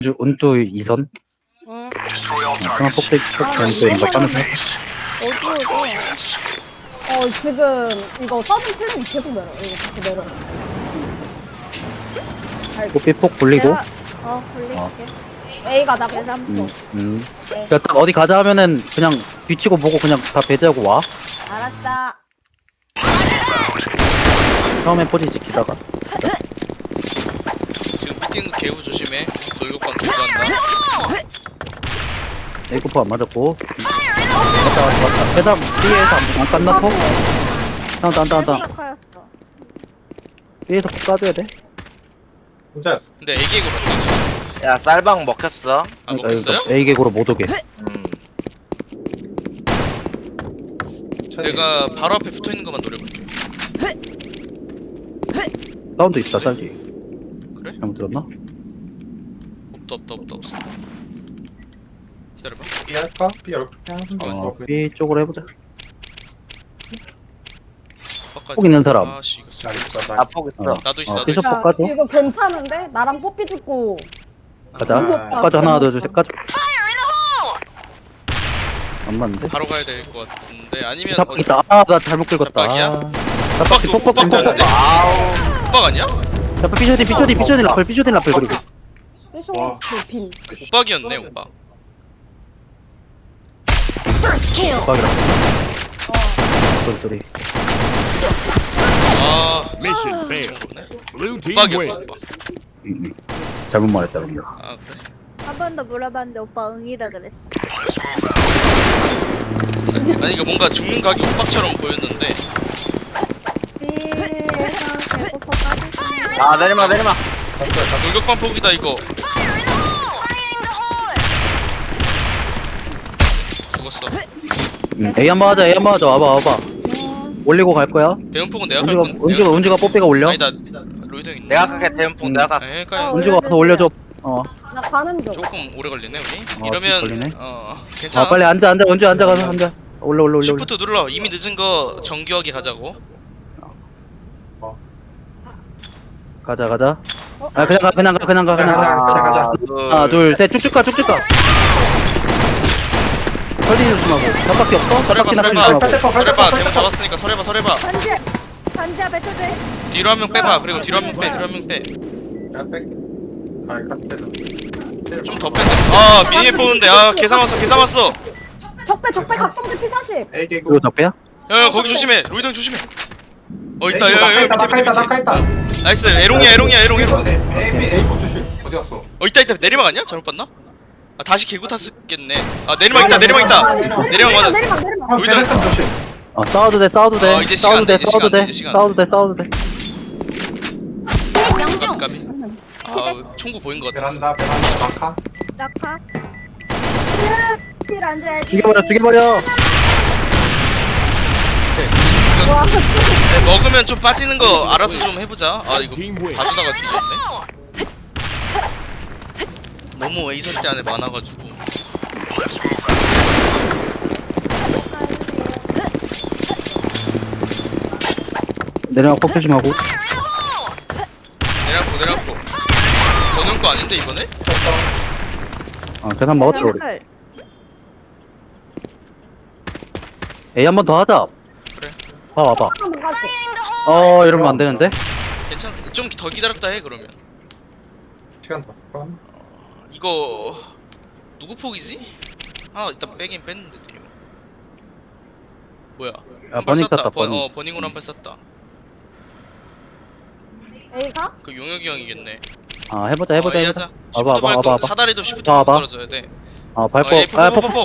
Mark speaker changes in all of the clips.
Speaker 1: 운주 2선?
Speaker 2: 응.
Speaker 1: 하나 폭백 전투인가 빠면서
Speaker 2: 어디 지금 이거 서든 플랜 계속 내려. 이거 자꾸 내려.
Speaker 1: 뽀삐폭 굴리고
Speaker 3: 굴릴게.
Speaker 2: A 가자고.
Speaker 3: 계산포.
Speaker 1: 그러니까 딱 어디 가자 하면은 그냥 뒤치고 보고 그냥 다 배제하고 와.
Speaker 2: 알았어.
Speaker 1: 처음에 포지 지키다가
Speaker 4: 지금 미팅 개구 조심해. 돌격반 개구한다.
Speaker 1: 에이코프 안 맞았고 왔다 회담 B에서 안 끝났고 다운
Speaker 3: 커였어.
Speaker 1: B에서 꼭 까줘야 돼.
Speaker 5: 혼자였어.
Speaker 4: 근데 애기애구 봤어.
Speaker 6: 야 쌀방 먹혔어.
Speaker 4: 안 먹겠어요?
Speaker 1: A 객으로 못 오게.
Speaker 4: 내가 바로 앞에 붙어 있는 것만 노려볼게.
Speaker 1: 사운드 있다 짤지.
Speaker 4: 그래?
Speaker 1: 잘못 들었나?
Speaker 4: 없어. 기다려봐.
Speaker 5: B 할까? B 이렇게 하는
Speaker 1: B 쪽으로 해보자.
Speaker 4: 아까
Speaker 1: 폭 있는 사람.
Speaker 4: 아씨 이거
Speaker 5: 잘 있어.
Speaker 6: 나폭 있어.
Speaker 4: 나도 있어.
Speaker 1: 삐져
Speaker 2: 야,
Speaker 1: 폭 까줘.
Speaker 2: 이거 괜찮은데? 나랑 뽀삐 죽고.
Speaker 1: 가자.
Speaker 5: 아,
Speaker 1: 폭 까줘 하나 둘 셋 까줘. 안 맞는데?
Speaker 4: 바로 가야 될 것 같은데 아니면
Speaker 1: 잡박 있다. 아 나 잘못 긁었다.
Speaker 4: 잡박이야?
Speaker 1: 잡박이
Speaker 4: 오빡도
Speaker 1: 폭폭
Speaker 4: 오빡도
Speaker 1: 괜찮아.
Speaker 4: 없는데?
Speaker 6: 아우.
Speaker 4: 오빡 아니야?
Speaker 1: 잡박 삐쇼딘 라플 그리고
Speaker 2: 삐쇼
Speaker 5: 와.
Speaker 2: 빈.
Speaker 4: 오빡이었네 오빡.
Speaker 1: 잡박이라. 소리.
Speaker 4: 아
Speaker 7: Mission failed.
Speaker 4: 그러네.
Speaker 7: Blue team
Speaker 4: 오빡이었어
Speaker 7: wins.
Speaker 4: 오빡.
Speaker 1: 잘못 말했다 그냥.
Speaker 4: 아 그래.
Speaker 3: 한 번 더 물어봤는데 오빠 응이라 그랬어.
Speaker 4: 아니 이거 뭔가 죽는 각이 오빡처럼 보였는데
Speaker 3: B에서 배고파 빠지시면
Speaker 6: 아 내리마.
Speaker 4: 돌격반 폭이다 이거. 죽었어.
Speaker 1: A 한번 하자. 와봐. 올리고 갈 거야.
Speaker 4: 대문폭은 내가 갈 건데.
Speaker 1: 운주가 뽀삐가 올려.
Speaker 4: 아니다 로이드 형 있네.
Speaker 6: 내가 갈게 대문풍 내가 갈게.
Speaker 4: 네, 그러니까
Speaker 1: 운주가 가서 올려줘.
Speaker 2: 나 가는 중.
Speaker 4: 조금 오래 걸리네 우리.
Speaker 1: 어,
Speaker 4: 이러면
Speaker 1: 걸리네.
Speaker 4: 괜찮아.
Speaker 1: 빨리 앉아. 운주 앉아가서 앉아. 올려.
Speaker 4: 시프트 눌러. 이미 늦은 거 정교하게 가자고.
Speaker 1: 가자. 아 그냥 가.
Speaker 5: 가자.
Speaker 1: 하나 둘 셋 쭉쭉 가. 설리 조심하고. 잡밖에 없어?
Speaker 4: 설해봐
Speaker 1: 잡밖에
Speaker 4: 설해봐.
Speaker 1: 조심하고.
Speaker 4: 설해봐. 대문 잡았으니까 설해봐.
Speaker 3: 단지야 뱉어줘.
Speaker 4: 뒤로 한 명 빼봐. 그리고 뒤로 한 명 빼.
Speaker 5: 야, 뺄게. 아, 이거 딱 빼자.
Speaker 4: 좀 더 빼. 아 미니맵 보는데 계산 왔어.
Speaker 2: 적배 각성대 P40.
Speaker 5: A 개구.
Speaker 1: 이거 적배야?
Speaker 4: 야 거기 조심해. 로이드 형 조심해. 있다. 야
Speaker 5: 낙하했다.
Speaker 4: 나이스. 에롱이야.
Speaker 5: A 거 조심. 어디 갔어?
Speaker 4: 있다. 내리막 아니야? 잘못 봤나? 아 다시 개구 탔겠네. 아 내리막 있다. 내리막 맞아.
Speaker 2: 내리막.
Speaker 5: 형,
Speaker 4: 로이드.
Speaker 5: 베레슨 조심.
Speaker 1: 싸워도 돼.
Speaker 4: 이제 시간 돼, 이제 시간 돼.
Speaker 1: 싸워도 돼.
Speaker 4: 까비. 아 총구 보인 것 같았어.
Speaker 5: 베란다, 낙하.
Speaker 3: 낙하. 실 앉아야지.
Speaker 1: 죽여버려.
Speaker 4: 먹으면 좀 빠지는 거 알아서 좀 해보자. 아 이거
Speaker 7: Team wins.
Speaker 4: 봐주다가 뒤졌네. 너무 A 선대 안에 많아가지고.
Speaker 1: 내려가 폭 조심하고.
Speaker 4: 내려놓고. 거는 거 아닌데 이번에?
Speaker 1: 계산 먹었어 우리.
Speaker 3: 헐.
Speaker 1: A 한 번 더 하자.
Speaker 4: 그래.
Speaker 1: 와봐.
Speaker 2: 한번 가지.
Speaker 1: 이러면 안 되는데.
Speaker 4: 괜찮아. 좀 더 기다렸다 해 그러면.
Speaker 5: 시간 더. 그럼.
Speaker 4: 이거 누구 폭이지? 아 일단 빼긴 뺐는데 드리고. 뭐야? 한 발
Speaker 1: 버닝
Speaker 4: 쐈다.
Speaker 1: 땄다, 버닝.
Speaker 4: 버닝으로 한 발 쐈다.
Speaker 2: A가?
Speaker 4: 그 용혁이 형이겠네.
Speaker 1: 해보자.
Speaker 4: A 하자.
Speaker 1: 와봐,
Speaker 4: 시프트 밟고
Speaker 1: 와봐.
Speaker 4: 사다리도 시프트
Speaker 1: 와봐.
Speaker 4: 떨어져야 돼.
Speaker 1: 밟고.
Speaker 4: 폭.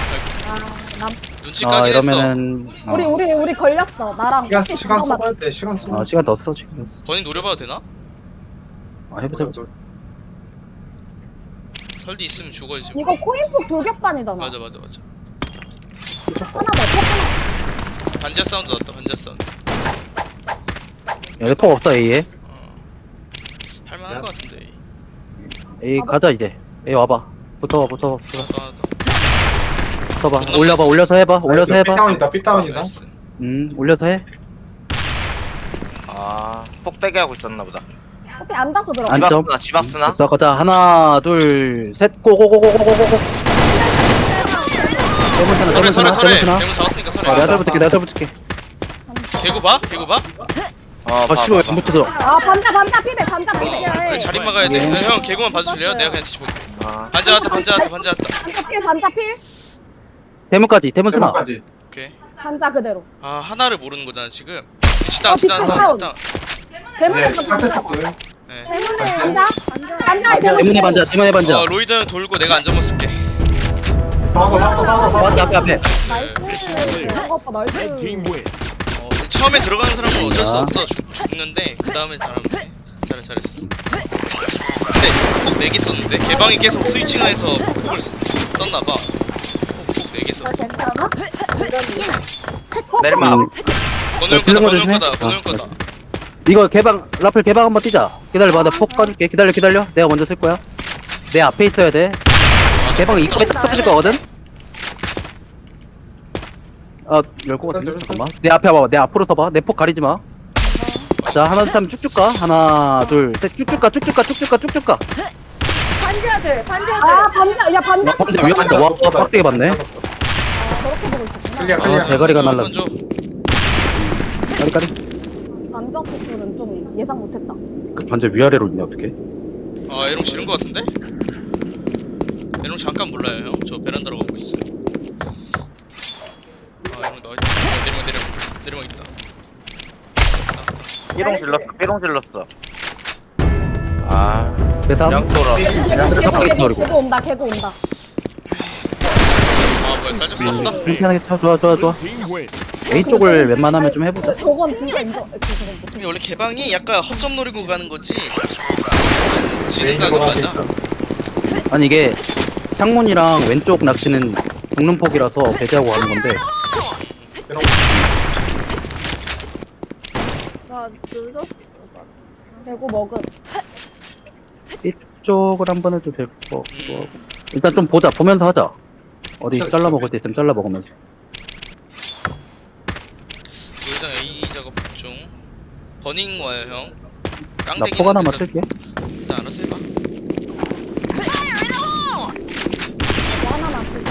Speaker 4: 눈치 까긴 했어.
Speaker 1: 이러면은.
Speaker 2: 우리 걸렸어. 나랑
Speaker 5: 시간
Speaker 2: 뽀삐
Speaker 5: 써봐야 돼. 시간 써.
Speaker 1: 시간 더 써, 지금.
Speaker 4: 버닝 노려봐도 되나?
Speaker 1: 해보자.
Speaker 4: 설디 있으면 죽어야지.
Speaker 2: 이거 코인폭 돌격반이잖아.
Speaker 4: 맞아.
Speaker 2: 하나 더. 폭
Speaker 4: 반지하 사운드 났다. 반지하 사운드.
Speaker 1: 폭 없어, A에.
Speaker 4: 할만한 거 같은데.
Speaker 1: A 가자, 이제. A 와봐. 붙어봐.
Speaker 4: 나도.
Speaker 1: 붙어봐.
Speaker 4: 존나
Speaker 1: 올려봐,
Speaker 4: 멋있어.
Speaker 1: 올려서 해봐. 올려서 해봐.
Speaker 5: 삐다운이다.
Speaker 4: 나이스.
Speaker 1: 올려서 해.
Speaker 6: 아 폭대기 하고 있었나 보다.
Speaker 2: 커피 앉아서 들어가.
Speaker 1: 안- 안점.
Speaker 6: 지박스나.
Speaker 1: 됐어, 가자. 하나, 둘, 셋, 고고고고고고고. 대문
Speaker 4: 설해
Speaker 1: 하나,
Speaker 4: 설해
Speaker 1: 대문 하나.
Speaker 4: 대문 잡았으니까 설해.
Speaker 1: 내가 잘 붙을게, 내가 잘 붙을게.
Speaker 4: 개구 봐? 개구 봐?
Speaker 1: 아, 씨발, 왜안 붙어서.
Speaker 2: 아 반자 피백 반자 피백.
Speaker 4: 아니, 자리 막아야 돼. 형 개구만 봐줄래요? 내가 그냥 뒤집어볼게. 반자 왔다 반자 왔다 반자 왔다.
Speaker 2: 반자 필.
Speaker 1: 대문까지, 대문 쓰나.
Speaker 5: 대문까지.
Speaker 4: 오케이.
Speaker 2: 반자 그대로.
Speaker 4: 아 하나를 모르는 거잖아 지금. 뒤치다
Speaker 2: 뒤치 다운. 대문에
Speaker 5: 네, 상태 조금.
Speaker 4: 네.
Speaker 2: 대문에 반자. 반자에 대문.
Speaker 1: 대문에 반자, 대문에 반자.
Speaker 4: 로이드 형 돌고 내가 안전모 쓸게.
Speaker 5: 사고.
Speaker 1: 맞다, 앞에.
Speaker 2: 나이스. 이런 거 오빠 나이스.
Speaker 4: 처음에 들어가는 사람은 어쩔 수 없어 죽는데 그 다음에 잘하면 돼. 잘했어. 근데 폭 4개 썼는데 개방이 계속 스위칭을 해서 폭을 썼나봐. 폭 4개 썼어.
Speaker 3: 괜찮아?
Speaker 6: 내리막.
Speaker 4: 번호 형
Speaker 1: 들는
Speaker 4: 거다
Speaker 1: 거
Speaker 4: 번호 형
Speaker 1: 조심해.
Speaker 4: 거다 번호 형 거다.
Speaker 1: 이거 개방, 라플 개방 한번 뛰자. 기다려봐, 내가 폭 까줄게. 기다려. 내가 먼저 쓸 거야. 내 앞에 있어야 돼. 개방 입구에 딱 터질 거거든? 열 거 같은데? 잠깐만. 내 앞에 와봐. 내 앞으로 서봐. 내 폭 가리지 마. 자, 하나, 둘, 셋, 쭉쭉 가. 하나, 둘, 셋, 쭉쭉 가.
Speaker 3: 반지하들
Speaker 2: 아 반자 야 반자.
Speaker 1: 진짜 위험하다. 와, 빡대게 봤네.
Speaker 2: 저렇게 보고 있었구나.
Speaker 5: 클리어.
Speaker 1: 대가리가 날라.
Speaker 4: 던져.
Speaker 1: 까리까리.
Speaker 2: 반자 폭들은 좀 예상 못했다.
Speaker 1: 그 반절 위아래로 있네, 어떡해.
Speaker 4: 아 에롱 지른 거 같은데? 에롱 잠깐 몰라요 형. 저 베란다로 가고 있어요. 아 에롱 나와 있다. 내리막 있다.
Speaker 6: 삐롱 질렀어. 아,
Speaker 1: 대삼.
Speaker 6: 양토라.
Speaker 2: 개구 온다.
Speaker 4: 아 뭐야 쌀 좀 떴어?
Speaker 1: 불편하게 쳐. 좋아. A 쪽을 웬만하면 좀 해보자.
Speaker 2: 저건 진짜 인정. 저건
Speaker 4: 근데 원래 개방이 약간 허점 노리고 가는 거지. 지는
Speaker 5: 메인으로
Speaker 4: 각은
Speaker 5: 가고
Speaker 4: 맞아.
Speaker 5: 있어.
Speaker 1: 아니, 이게 창문이랑 왼쪽 낚시는 죽는 폭이라서 배제하고 가는 건데.
Speaker 3: 나 늦었어.
Speaker 2: 개구 먹음.
Speaker 1: 이쪽을 한번 해도 될 거 같고. 일단 좀 보자. 보면서 하자. 어디 잘라 먹을 때 있으면 잘라 먹으면서.
Speaker 4: 노회장 A 작업 중. 버닝 와요 형.
Speaker 1: 나
Speaker 4: 깡대기.
Speaker 1: 폭 하나만 쓸게.
Speaker 4: 일단 알아서 해봐.
Speaker 2: 개구 하나만 쓰자.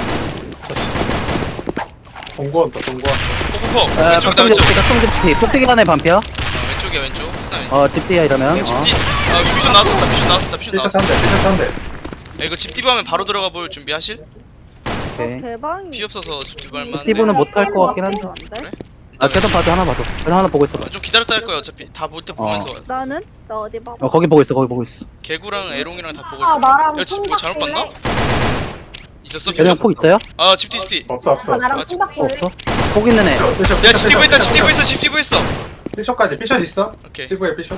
Speaker 5: 동구원다.
Speaker 4: 폭폭폭. 왼쪽이다 왼쪽.
Speaker 1: 각성집티. 폭대기 안에 반피야.
Speaker 4: 왼쪽이야 왼쪽. 스나 왼쪽.
Speaker 1: 집티야 이러면.
Speaker 4: 집디. 아 퓨전 나왔었다. 퓨전 나왔어.
Speaker 5: 피셔 3대.
Speaker 4: 야, 이거 집디브 하면 바로 들어가 볼 준비하실?
Speaker 1: 오케이.
Speaker 3: 대방이.
Speaker 4: 피 없어서 집디브 할만 한데.
Speaker 1: 스티브는 못할 것 같긴 한데.
Speaker 4: 그래?
Speaker 1: 계단 봐줘. 하나 봐줘. 계단 하나 보고 있어.
Speaker 4: 좀 기다렸다 할 거야 어차피 다 볼 때 보면서 와서.
Speaker 3: 나는? 나 어디 봐.
Speaker 1: 거기 보고 있어.
Speaker 4: 개구랑 에롱이랑 다 보고
Speaker 2: 아
Speaker 4: 있어.
Speaker 2: 나랑
Speaker 4: 야, 뭐 잘못 봤나? 있었어?
Speaker 1: 계단 폭 있어요?
Speaker 4: 아 집디.
Speaker 5: 없어.
Speaker 2: 나랑
Speaker 4: 아,
Speaker 2: 충박 볼래?
Speaker 1: 없어? 폭 있는 애.
Speaker 4: 야 집디브 있다. 집디브 있어.
Speaker 5: 피셔까지. 피셔 있어?
Speaker 4: 오케이.
Speaker 5: 피부에 피셔.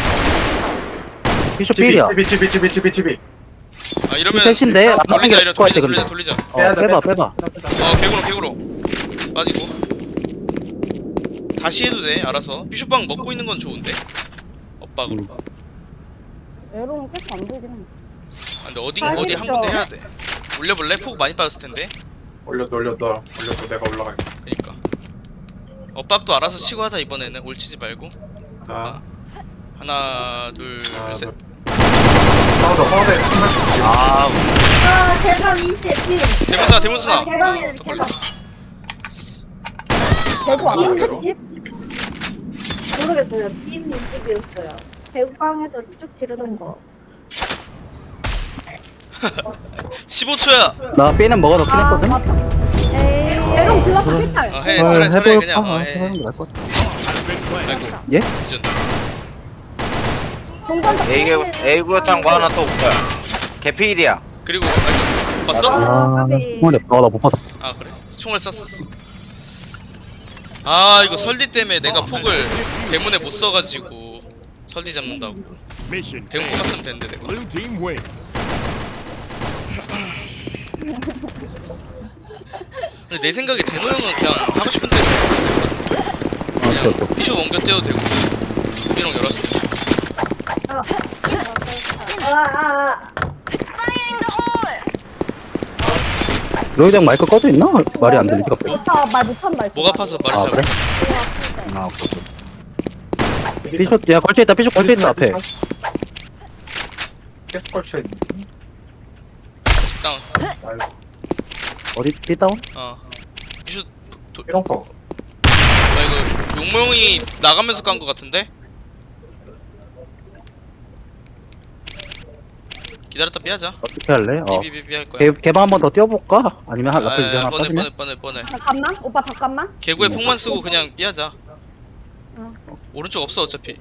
Speaker 1: 피쇼 필이야.
Speaker 5: 집이.
Speaker 4: 아 이러면
Speaker 1: 셋인데?
Speaker 4: 돌리자 이래
Speaker 1: 것 같아, 근데.
Speaker 4: 돌리자.
Speaker 1: 빼봐.
Speaker 4: 개구로 빠지고. 다시 해도 돼 알아서. 비숍방 먹고 있는 건 좋은데. 엇박으로.
Speaker 2: 에로는 계속 안 보이긴 해.
Speaker 4: 아, 근데 어디 한 군데 해야 돼. 올려볼래? 폭 많이 빠졌을 텐데.
Speaker 5: 올려도 내가 올라갈게.
Speaker 4: 그니까. 엇박도 알아서 치고 하자 이번에는. 올치지 말고.
Speaker 5: 자.
Speaker 4: 하나 둘 셋.
Speaker 5: 싸우자.
Speaker 6: 아,
Speaker 3: 아, 대방 20피.
Speaker 4: 대문수나.
Speaker 3: 대방이네,
Speaker 4: 더 걸려.
Speaker 3: 대방.
Speaker 2: 개구 안 보여.
Speaker 3: 모르겠어요. 빔 20이었어요. 대방에서 쭉 지르는 거.
Speaker 4: 15초야.
Speaker 1: 나 B는 먹어놓긴 했거든?
Speaker 2: 맞다.
Speaker 3: 에이.
Speaker 2: 에롱 질렀어 필탈.
Speaker 4: 해 살해 그냥. 해.
Speaker 1: 해보는 게 나을 것 같아.
Speaker 4: 아이고.
Speaker 1: 예?
Speaker 4: 기준.
Speaker 2: 동반자
Speaker 6: A구였던 거 하나 또 웃겨. 개피일이야.
Speaker 4: 그리고 아이고. 봤어?
Speaker 3: 까비.
Speaker 1: 나못 봤어.
Speaker 4: 아 그래? 총을 쐈었어. 아 이거 설디 때문에 내가 폭을 대문에 못 써가지고 설디 잡는다고. 대문 뽑았으면 되는데 내가.
Speaker 7: Blue team win.
Speaker 4: 근데 내 생각에 대노 형은 그냥 하고 싶은 대로 그냥 비숍 옮겨 떼도 되고. 삐롱 열었어.
Speaker 1: 로이장 마이크 꺼져 있나? 말이 안 들리지 갑자기.
Speaker 2: 오빠 말 못한다 했어.
Speaker 4: 목 아파서 말을
Speaker 1: 아,
Speaker 4: 잘
Speaker 1: 그래?
Speaker 4: 못해.
Speaker 1: 오케이. 삐쇼, 야, 걸쳐있다, 앞에.
Speaker 5: 계속 걸쳐있네.
Speaker 4: 다운.
Speaker 5: 나이스.
Speaker 1: 어디 삐다운?
Speaker 4: 피쇼
Speaker 5: 이런 거.
Speaker 4: 나 이거 용모형이 나가면서 깐 거 같은데? 기다렸다 삐하자.
Speaker 1: 어떻게 할래?
Speaker 4: 삐삐삐삐 할 거야.
Speaker 1: 개방 한 번 더 뛰어볼까? 아니면 한 라플 이제 하나 빠지냐?
Speaker 4: 뻔해.
Speaker 2: 잠깐만 오빠 잠깐만.
Speaker 4: 개구에 폭만 쓰고 그냥 삐하자.
Speaker 2: 어.
Speaker 4: 오른쪽 없어 어차피.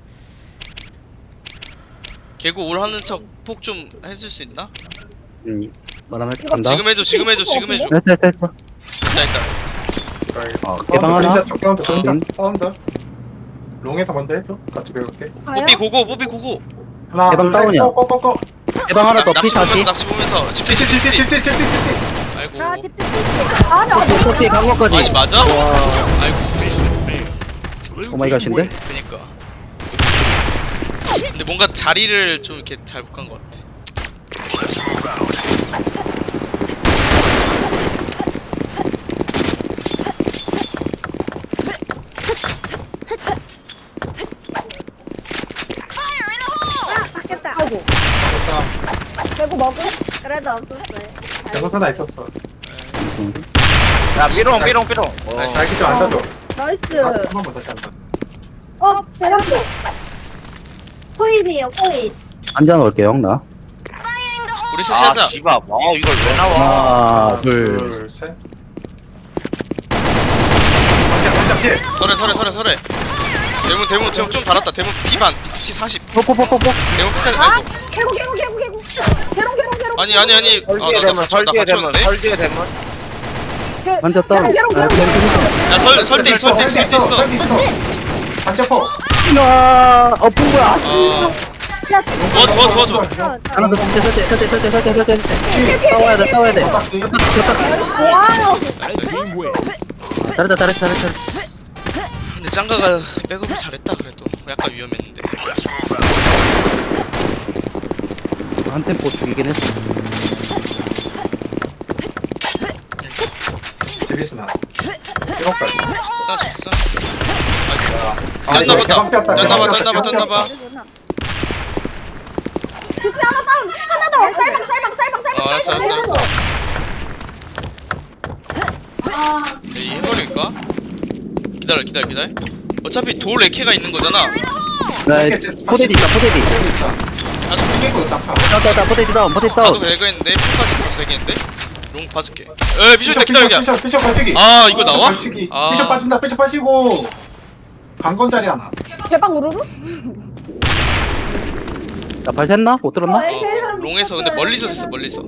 Speaker 4: 개구 올 하는 척 폭 좀 해줄 수 있나?
Speaker 1: 말하면
Speaker 2: 이거
Speaker 1: 간다.
Speaker 4: 지금 해줘.
Speaker 1: 됐어.
Speaker 4: 됐다.
Speaker 1: 개방 하나?
Speaker 5: 사운드. 사운드. 롱에서 먼저 해줘. 같이 배울게.
Speaker 3: 가요?
Speaker 4: 뽀삐 고고.
Speaker 5: 하나,
Speaker 1: 개방
Speaker 5: 둘, 셋.
Speaker 1: 다운이야.
Speaker 5: 꺼.
Speaker 1: 개방 하나 더 삐 다시.
Speaker 4: 낚시 보면서 집지.
Speaker 5: 찌찌찌찌찌찌찌찌.
Speaker 4: 아이고.
Speaker 3: 아, 찝찝찝.
Speaker 2: 아니
Speaker 1: 뽀삐 간 것까지.
Speaker 4: 아니 맞아?
Speaker 1: 와.
Speaker 4: 아이고.
Speaker 1: 오마이갓인데?
Speaker 4: 그니까. 근데 뭔가 자리를 좀 이렇게 잘 못 간 것 같아.
Speaker 3: 바뀌었다.
Speaker 2: 아이고 개구 먹고.
Speaker 3: 그래도 없었어요.
Speaker 5: 대선사나 있었어.
Speaker 6: 야 삐롱.
Speaker 4: 나이스.
Speaker 5: 자, 이렇게 좀 앉아줘.
Speaker 3: 나이스.
Speaker 5: 한 번 다시 앉아.
Speaker 3: 대박도. 코일이에요, 코일.
Speaker 1: 앉아 놓을게요, 나.
Speaker 4: 우리 셋이 하자.
Speaker 6: 씨발. 이걸 왜 나와?
Speaker 1: 하나, 둘.
Speaker 5: 셋.
Speaker 4: 설에. 대문 좀 달았다. 대문 P반 C40.
Speaker 1: 뽀뽀뽀뽀뽀.
Speaker 4: 대문 P40.
Speaker 2: 아
Speaker 4: 아이고.
Speaker 2: 개구. 개롱.
Speaker 4: 아니.
Speaker 6: 설디에 대문.
Speaker 4: 갇혔는데?
Speaker 6: 설디에 대문.
Speaker 1: 앉았다.
Speaker 2: 개롱.
Speaker 4: 야 설대 있어.
Speaker 5: 반짝퍼.
Speaker 1: 뭐야.
Speaker 2: 야
Speaker 4: 도와줘.
Speaker 1: 하나 더 설대. 싸워야 돼.
Speaker 2: 와요.
Speaker 4: 나이스.
Speaker 1: 잘했다.
Speaker 4: 근데 짱가가 백업을 잘했다 그래도. 약간 위험했는데.
Speaker 1: 한 템포 죽이긴 했어.
Speaker 5: 제비스나. 이런까지.
Speaker 4: 쏴. 아이고. 짠나봐.
Speaker 2: 진짜 하나 다운. 하나 더. 쌀방.
Speaker 4: 알았어.
Speaker 3: 아,
Speaker 4: 이 해버릴까? 기다려. 어차피 돌 레케가 있는 거잖아.
Speaker 1: 포대디 있다.
Speaker 4: 나도
Speaker 5: 튕기고 딱 봐.
Speaker 1: 나 포대디 다운.
Speaker 4: 가도 레그했는데 피까지 가도 되겠는데? 롱 봐줄게. 에 비쇼 있다 기다려.
Speaker 5: 피셔 빠지기.
Speaker 4: 아 이거 나와?
Speaker 5: 걸치기.
Speaker 4: 아.
Speaker 5: 피셔 빠진다. 피셔 빠지고. 강건자리 하나.
Speaker 2: 개방 우르르.
Speaker 1: 나발 샜나? 못 들었나?
Speaker 4: 롱에서 근데 멀리서 됐어 멀리서.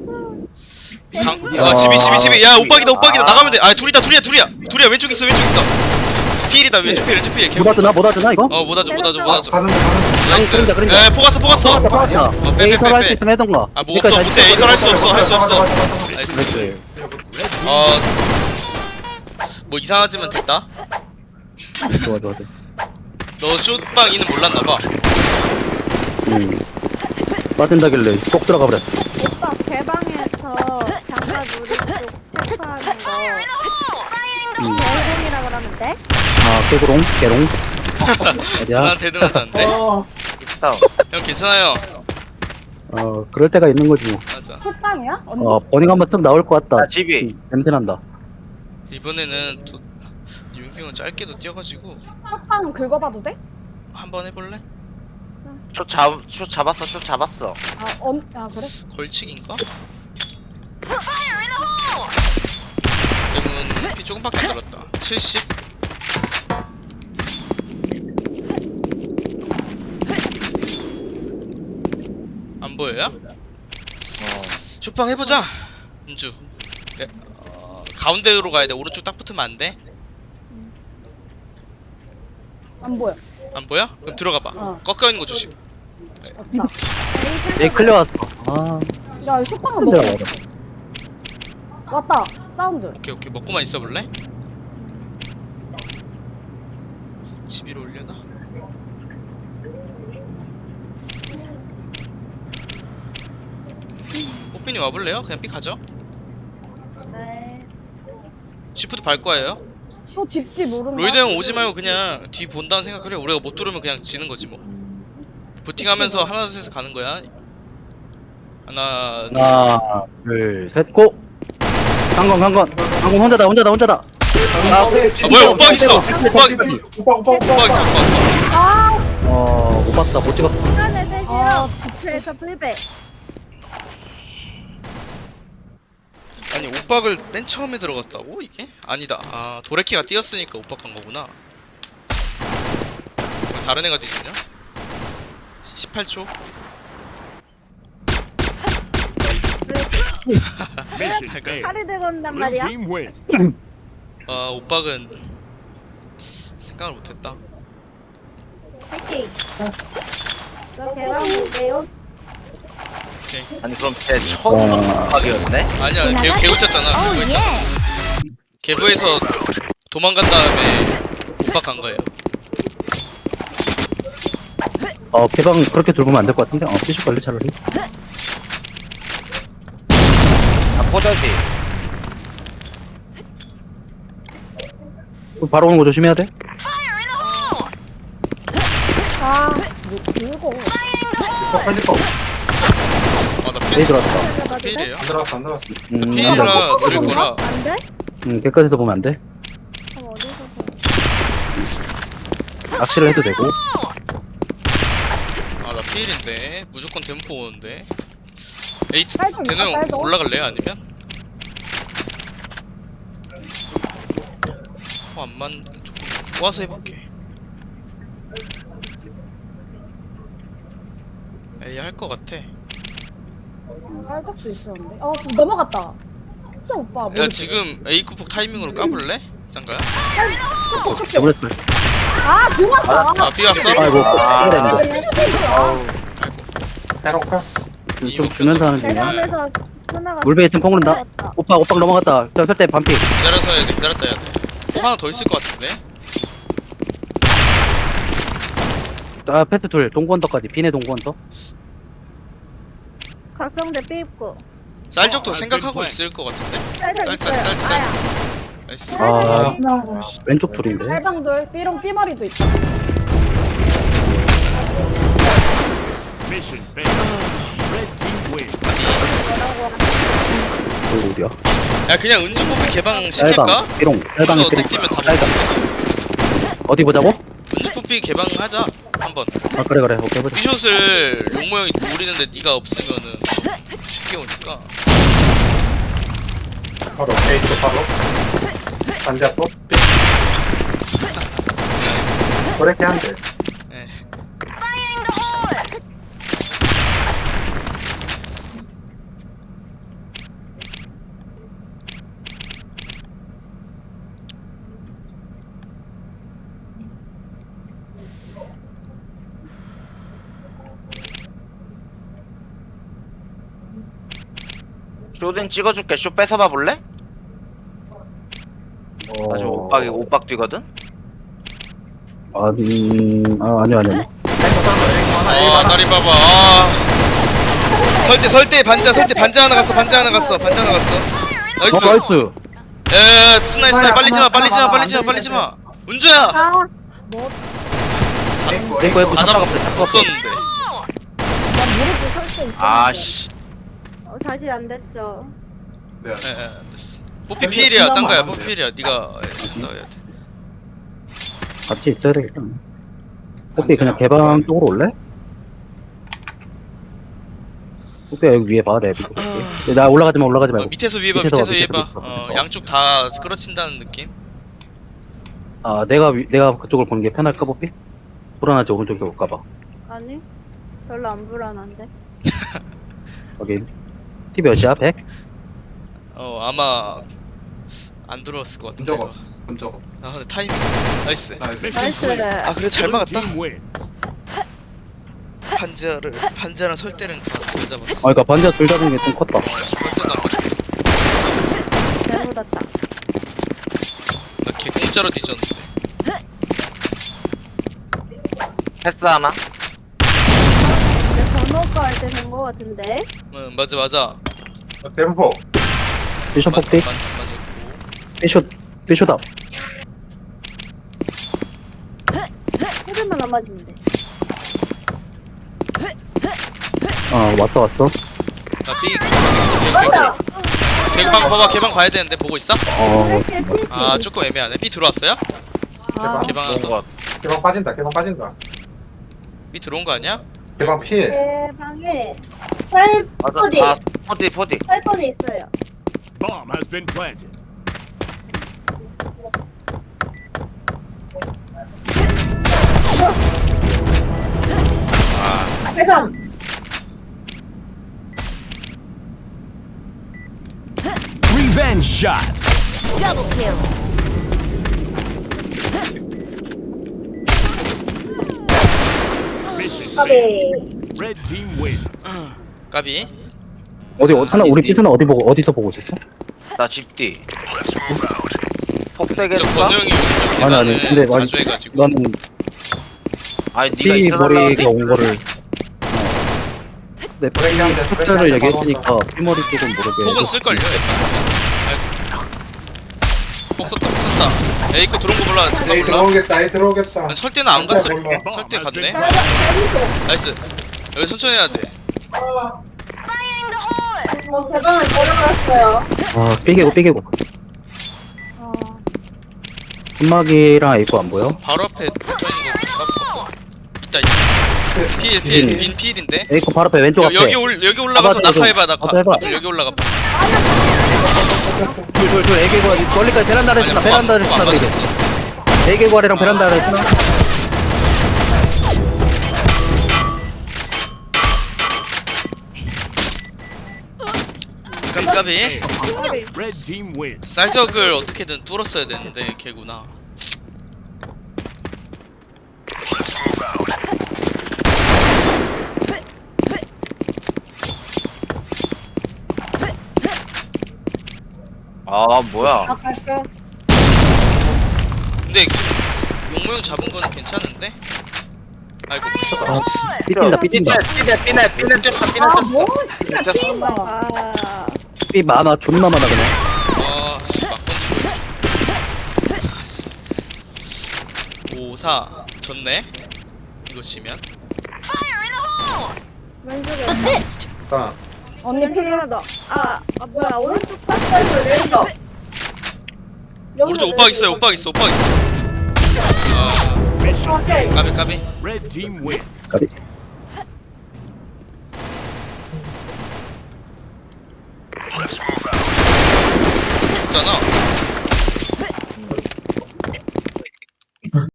Speaker 4: 집이 야 오빡이다 나가면 돼. 아 둘이야 왼쪽 있어. 필이다 왼쪽 필.
Speaker 1: 못 하드나 이거?
Speaker 4: 못 하죠.
Speaker 5: 가는데.
Speaker 4: 나이스.
Speaker 1: 그러니까.
Speaker 4: 에 포갔어.
Speaker 1: 빠졌다. 에이설 할 수 있으면 해던가.
Speaker 4: 아 뭐 없어 못해. 에이설 할 수 없어.
Speaker 5: 나이스.
Speaker 4: 나이스. 뭐 이상하지만 됐다.
Speaker 1: 좋아.
Speaker 4: 너 슛방이는 몰랐나봐.
Speaker 1: 빠진다길래 쏙 들어가 버렸어.
Speaker 3: 오빠 개방에서 장갑 우리 쪽 체크하는 거 개롱이라 그러면 돼?
Speaker 1: 개롱. 어디야?
Speaker 4: 난 대등하지 않네. 형 괜찮아요.
Speaker 1: 그럴 때가 있는 거지 뭐.
Speaker 4: 맞아.
Speaker 2: 속담이야? 언니?
Speaker 1: 버닝 한번 쓱 나올 것 같다.
Speaker 6: 집이.
Speaker 1: 냄새 난다.
Speaker 4: 이번에는 또 윤경은 짧게도 뛰어가지고
Speaker 2: 속담 긁어봐도 돼?
Speaker 4: 한번 해볼래?
Speaker 6: 슛 잡았어.
Speaker 2: 아 그래?
Speaker 4: 걸치기인가? 대문 피 조금밖에 안 들었다. 70. 안 보여요? 쇼팡 해보자. 은주. 가운데로 가야 돼. 오른쪽 딱 붙으면 안 돼.
Speaker 2: 안 보여.
Speaker 4: 안 보여? 그럼 들어가봐.
Speaker 2: 어.
Speaker 4: 꺾여 있는 거 조심.
Speaker 1: 얘 클리어 왔어.
Speaker 2: 야 쇼팡은 먹어.
Speaker 1: 들어가.
Speaker 2: 왔다. 사운드.
Speaker 4: 오케이 먹고만 있어 볼래? 집 위로 올려놔. 뽀삐니 와볼래요? 그냥 삐 가죠.
Speaker 3: 네.
Speaker 4: 시프트 밟 거예요.
Speaker 2: 또 집지 모른다.
Speaker 4: 로이드 형 오지 말고 그냥 뒤 본다는 생각을 해. 우리가 못 뚫으면 그냥 지는 거지 뭐. 부팅하면서 하나 둘 셋 가는 거야.
Speaker 1: 하나, 둘, 셋, 고! 강건 혼자다.
Speaker 4: 아 뭐야 오빠 있어. 오빠
Speaker 5: 오빠
Speaker 4: 있어. 오빠.
Speaker 3: 아,
Speaker 1: 못 봤다, 못 찍었어.
Speaker 3: 시간에 셋이요.
Speaker 2: 아,
Speaker 3: 집회에서 불배.
Speaker 4: 아니 오빡을 맨 처음에 들어갔다고 이게? 아니다. 아 도레키가 뛰었으니까 오빡 간 거구나. 왜 다른 애가 뛰지냐? 18초.
Speaker 3: 칼을 들고 온단 말이야.
Speaker 4: 아 오빡은 생각을 못했다.
Speaker 3: 파이팅. 너 대박 못해요?
Speaker 6: 아니 그럼 쟤 처음 오빡이었네?
Speaker 4: 아니야 개구 쪘잖아. 그거 있잖아. 개부에서 도망간 다음에 오빡 간 거예요.
Speaker 1: 개방 그렇게 들고 오면 안 될 것 같은데? 피쇼 걸리 차라리.
Speaker 6: 아 포자지.
Speaker 1: 바로 오는 거 조심해야 돼.
Speaker 2: 아, 뭐 들고.
Speaker 5: 편집법
Speaker 4: 아나
Speaker 1: A 들어왔다.
Speaker 4: 필이에요.
Speaker 5: 안 들어왔어 안 들어왔어.
Speaker 1: 안 돼.
Speaker 4: 필이라 느릴 거라.
Speaker 3: 안 돼?
Speaker 1: 깨끗해서 보면 안 돼.
Speaker 3: 그럼 어디서 봐?
Speaker 1: 낚시를 해도 되고.
Speaker 4: 아 나 필인데 무조건 댐포 오는데. 에이
Speaker 2: 쌀 좀,
Speaker 4: 대노
Speaker 2: 쌀
Speaker 4: 형
Speaker 2: 좀.
Speaker 4: 올라갈래요 아니면? 안만 조금 모아서 해볼게. 에이 할 것 같아.
Speaker 2: 쌀적도 있었는데. 지금 넘어갔다. 진짜 오빠.
Speaker 4: 야
Speaker 2: 모르지?
Speaker 4: 지금 A 쿠폭 타이밍으로 까볼래? 짱가야?
Speaker 1: 더블했어.
Speaker 2: 들어왔어.
Speaker 4: 아 삐왔어?
Speaker 1: 아이고,
Speaker 6: 아.
Speaker 5: 새로운 카
Speaker 1: 좀 주면서 하는 중이야.
Speaker 3: 대감에서 끊어가.
Speaker 1: 물배 있으면 뽕그른다. 오빠 넘어갔다. 저 설때 반피.
Speaker 4: 기다려서 해야 돼. 기다렸다 해야 돼. 폭 하나 더 있을 것 같은데?
Speaker 1: 패트 둘, 동구언더까지. 비네 동구언더.
Speaker 3: 각성대 삐입고.
Speaker 4: 쌀적도 생각하고 있을 것 같은데?
Speaker 3: 쌀쌀
Speaker 4: 쌀, 쌀,
Speaker 3: 있어요.
Speaker 4: 쌀.
Speaker 3: 아야.
Speaker 4: 나이스.
Speaker 1: 왼쪽 둘인데.
Speaker 2: 쌀방들, 삐롱 삐머리도 있다.
Speaker 7: Mission failed. Red team win.
Speaker 1: 여기 어디야?
Speaker 4: 야 그냥 은주 뽑기 개방 시킬까?
Speaker 1: 쌀방, 삐롱. 쌀방,
Speaker 4: 무슨
Speaker 1: 삐롱.
Speaker 4: 어떻게 뛰면 다
Speaker 1: 쌀방.
Speaker 4: 먹는데?
Speaker 1: 어디 보자고?
Speaker 4: 은주 뽑기 개방하자 한번.
Speaker 1: 그래. 오케이, 보자.
Speaker 4: 삐숏을 용모형이 노리는데 네가 없으면은 쉽게 오니까.
Speaker 5: 바로 에이트 바로 반대하고 그렇게 한대.
Speaker 4: 예.
Speaker 6: 쇼딘 찍어줄게. 쇼 뺏어봐 볼래? 나 지금 오빡 뛰거든?
Speaker 1: 아니요.
Speaker 4: 아 다리 봐봐. 설대 반자 하나 갔어. 나이스.
Speaker 1: 나이스.
Speaker 4: 에 스나이 빨리지 마. 은주야.
Speaker 3: 아,
Speaker 1: 이거
Speaker 4: 다 잡아 없었는데.
Speaker 2: 난 모르지, 설때 있었는데.
Speaker 6: 아씨.
Speaker 3: 다시 안 됐죠.
Speaker 5: 네.
Speaker 4: 됐어. 뽀삐 피일이야 짱가야. 뽀삐 피일이야. 네가 해야 돼.
Speaker 1: 같이 있어야 되겠다. 혹시 그냥 개방 쪽으로 올래? 혹시 여기 위에 봐, 나 올라가지 말고.
Speaker 4: 밑에서 위에 봐. 양쪽 다 끌어친다는 느낌.
Speaker 1: 내가 그쪽을 보는 게 편할까, 뽀삐? 불안하지, 오른쪽에 올까봐.
Speaker 3: 아니, 별로 안 불안한데.
Speaker 1: 여기. 티 몇이야, 100?
Speaker 4: 아마 안 들어왔을 것 같은데.
Speaker 5: 본적
Speaker 4: 아 근데 타이밍 나이스.
Speaker 3: 나이스.
Speaker 4: 아 그래 잘
Speaker 7: Blue
Speaker 4: 막았다.
Speaker 7: team win.
Speaker 4: 반자랑 설대는 다 잡았어.
Speaker 1: 그니까 반지가 둘 잡은 게 좀 컸다.
Speaker 4: 설대도 안 맞아.
Speaker 3: 잘 묻었다.
Speaker 4: 나걔 공짜로 뒤졌는데.
Speaker 6: 패스 하나?
Speaker 3: 근데 번호가 할 때 된 거 같은데.
Speaker 4: 응 맞아.
Speaker 5: 템포
Speaker 1: 피셔 폭디?
Speaker 4: 안 맞았고.
Speaker 1: 피셔다.
Speaker 3: 헤드만 안 맞으면 돼.
Speaker 1: 왔어.
Speaker 4: 나 B 개방 봐봐. 개방 봐야 되는데 보고 있어? 아 조금 애매하네. B 들어왔어요?
Speaker 2: 아,
Speaker 4: 개방 하나 더.
Speaker 5: 개방 빠진다. 개방 빠진다.
Speaker 4: B 들어온 거 아니야?
Speaker 5: 개방 필.
Speaker 3: 대방에
Speaker 6: 맞아. 아, 포디.
Speaker 3: 8번에 있어요.
Speaker 7: Bomb has been planted.
Speaker 3: 대삼.
Speaker 7: Revenge shot.
Speaker 8: Double kill.
Speaker 7: Mission
Speaker 3: 까비.
Speaker 7: failed. Red team win.
Speaker 4: 까비.
Speaker 1: 스나 우리 삐스는 어디서 보고 있었어?
Speaker 6: 나 집뒤.
Speaker 4: 저
Speaker 6: 폭대겠어?
Speaker 4: 건우 형이 요즘
Speaker 1: 아니, 아니, 근데
Speaker 4: 개방을 자주 해가지고.
Speaker 1: 나는
Speaker 6: 아니 니가
Speaker 1: 삐
Speaker 6: 있어달라고
Speaker 1: 머리가 온 거를 내
Speaker 5: 브레이크한테,
Speaker 1: 숫자를
Speaker 5: 브레이크한테
Speaker 1: 얘기했으니까 삐 머리 쪽은 모르게
Speaker 4: 폭은 쓸걸요 약간. 아이고. 폭 썼다. 에이 거 들어온 거 몰라. 잠깐
Speaker 5: 에이
Speaker 4: 몰라.
Speaker 5: 들어오겠다. 에이 들어오겠다.
Speaker 4: 난 설대는 안 갔어.
Speaker 5: 몰라.
Speaker 4: 설대 갔네.
Speaker 7: Bomb has been
Speaker 4: 나이스. 여기 천천히 해야 돼.
Speaker 3: 대방을 걸어갔어요.
Speaker 1: 아 삐개고 한막이랑 에이코 안 보여?
Speaker 4: 바로 앞에 붙어있는 거 있다. 빈 필인데.
Speaker 1: 에이코 바로 앞에 왼쪽 앞에
Speaker 4: 여기 올라가서
Speaker 1: 잡아줘,
Speaker 4: 낙하해봐.
Speaker 1: 잡아줘, 해봐.
Speaker 4: 여기 올라가.
Speaker 1: 둘 에이개고 멀리까지 베란다를 쓰나 베란다를 쓰나 그래 에이개고 아래랑 베란다를 쓰나
Speaker 4: 깜깜이.
Speaker 7: planted. Red team win.
Speaker 4: 쌀적을 어떻게든 뚫었어야 되는데 걔구나.
Speaker 6: 아 뭐야?
Speaker 4: 근데 용모형 잡은 거는 괜찮은데? 아이고.
Speaker 1: 삐뛴다 삐뛴다
Speaker 6: 삐네 쫓아
Speaker 2: 아, 뭐,
Speaker 6: 쫓아.
Speaker 2: 씨발.
Speaker 3: 아.
Speaker 1: 삐 많아 존나 많아 그냥
Speaker 4: 아씨 막 던지고 5-4 졌네. 이거 치면.
Speaker 3: 왼쪽에.
Speaker 8: Assist.
Speaker 5: 자,
Speaker 2: 언니
Speaker 3: 왼쪽에
Speaker 2: 필.
Speaker 3: 하나 더. 뭐야 오른쪽 파스에서 내려.
Speaker 4: 오른쪽 오빠 있어요. 오빠 있어. 아
Speaker 7: Mission
Speaker 3: 오케이.
Speaker 4: 까비.
Speaker 7: Red team win.
Speaker 1: 까비